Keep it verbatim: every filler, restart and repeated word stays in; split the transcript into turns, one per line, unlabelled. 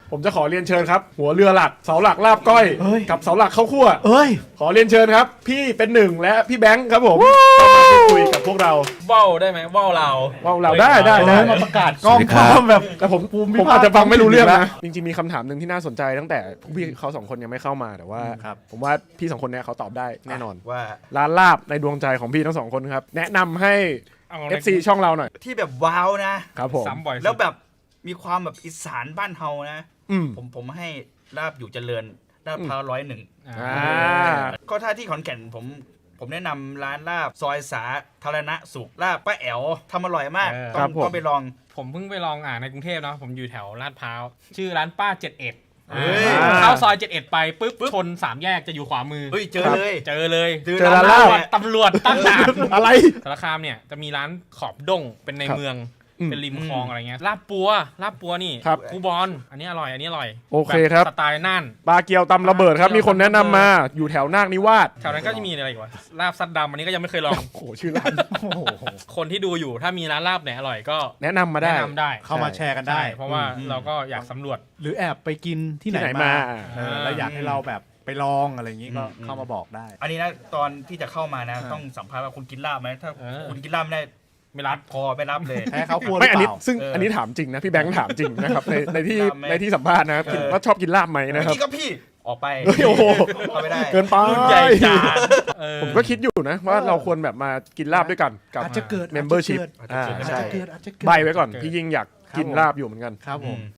ผมจะขอเรียนเชิญครับหัวเรือหลักเสาหลักลาบก้อย
เอ้ย
กับเสาหลักข้าวคั่ว
เอ้ย
ขอเรียนเชิญครับพี่เป็นหนึ่งและพี่แบงค์ครับผมเข้ามาพูดคุยกับพวกเรา
ว่าวได้ไหมว่าวเรา
ว่าวเราได้ได้ได้
เอ้ยมาประกาศกล้อง
สวัสดีครับ
แบบ
แต่ผม
ภูมิ
ผม
ภาค
อาจจะฟังไม่รู้เรื่องนะจริงๆมีคำถามหนึ่งที่น่าสนใจตั้งแต่พวกพี่เขาสองคนยังไม่เข้ามาแต่ว่า
ครับ
ผมว่าพี่สองคนเนี้ยเขาตอบได้แน่นอน
ว่า
ร้านลาบในดวงใจของพี่ทั้งสองคนครับแนะนำให้
เอา
เอฟ ซี ช่องเราหน่อย
ที่แบบว้าวนะ
ครับผม
ซ้ำบ่อยสุด
แล้วแบบมีความแบบอีสานบ้านเฮานะ
อืม
ผมผมให้ลาบอยู่เจริญลาบพร้าวร้อยหนึ่ง
อ่า
ก็ถ้าที่ขอนแก่นผมผมแนะนำร้านลาบซอยสาธารณสุขลาบป้าแอ๋วทำอร่อยมาก
เออ
ต้องต้องไปลอง
ผมเพิ่งไปลองอ่านในกรุงเทพเนาะผมอยู่แถวลาดพร้าวชื่อร้านป้าเจ็ดเอ็ด
เฮ้ย
เข้าซอยเจ็ดเอ็ดไปปุ๊บชนสามแยกจะอยู่ขวามือ
เฮ้ยเจอเลย
เจอเลย
เจอ
เจอร้าน
ร้าน
ลาบ
ลาบ
ตำรวจตั้งด่าน
อะไร
สารคามเนี่ยจะมีร้านขอบด้งเป็นใน
ครับ
เมือง
อืม
เป็นริมคลองอะไรเงี้ยลาบปัวลาบปัวนี่
ครับ
ครูบอลอันนี้อร่อยอันนี้อร่อย
โอเคครับ
แสไตล์น่าน
ปลาเกียวตำระเบิดครับมีคนแนะนำมาอยู่แถวนาคนิวาส
แถวนั้นก็จะมีอะไรอีกวะลาบซัดดำอันนี้ก็ยังไม่เคยลอง
โอ้โหชื่อร้าน
โอ้โห
คนที่ดูอยู่ถ้ามีร้านลาบไหนอร่อยก็
แนะนำมาได้
แนะนำได้
เข้ามาแชร์กันได้
ใช่เพราะว่าเราก็อยากสำรวจ
หรือแอบไปกินที่ไหน
ที่ไหน
มา
มา
เออแล้วอยากให้เราแบบไปลองอะไรอย่างนี้ก็เข้ามาบอกได้
อันนี้นะตอนที่จะเข้ามานะ ต้องสัมภาษณ์ว่าคุณกินลาบไหมถ้า
เออ
คุณกินลาบไม่ได้
ไม่รับ
พอไม่รับเลย
แพ้เขาควรห
ไม่
รือ
อัน
เป
นี้
ล่า
ซึ่ง
เอออั
อันนี้ถามจริงนะพี่แบงค์ถามจริงนะครับในในที่
กินลาบไหม
ในที่สัมภาษณ์นะครับกิน
เออ
ว่าชอบกินลาบไหมนะครับ
นี่ก็พี่ออกไป
เฮ้ยโอ้โห
เข้าไม่ได้
เกินไป
รุ่นใหญ่จานเออ
ผมก็คิดอยู่นะว่าเราควรแบบมากินลาบด้วยกันกับ
อาจจะเกิด
membership
อาจจะเกิด
อ่า
อาจ
ใช่
จะเกิดอาจจะเกิด
ใบไว้ก่อน
เกิด
พี่ยิ่งอยากกิน
ครับผม
ลาบอยู่เหมือนกัน
ครับผม